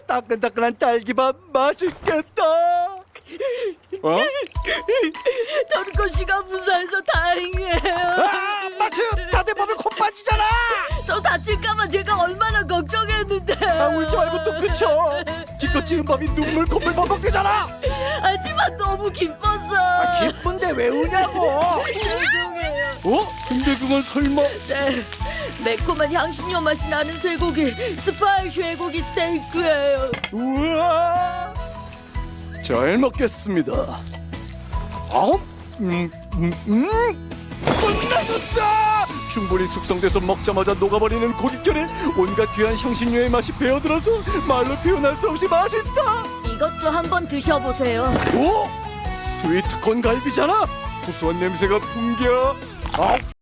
따끈따끈한 딸기밥 맛있겠다. 어? 토리코 씨가 무사해서 다행이에요. 마치 다들 보면 코 빠지잖아. 또 다칠까봐 제가 얼마나 걱정했는데. 울지 말고 또 그쳐. 기껏 지은 밥이 눈물 콧물 버벅대잖아. 하지만 너무 기뻤어. 기쁜데 왜 우냐고. 죄송해요. 근데 그건 설마 네, 매콤한 향신료 맛이 나는 쇠고기 스파이 쇠고기 스테이크예요. 우와, 잘 먹겠습니다. 끝나줬다. 충분히 숙성돼서 먹자마자 녹아버리는 고깃결에 온갖 귀한 향신료의 맛이 배어들어서 말로 표현할 수 없이 맛있다. 이것도 한번 드셔보세요. 오, 스위트콘 갈비잖아. 고소한 냄새가 풍겨.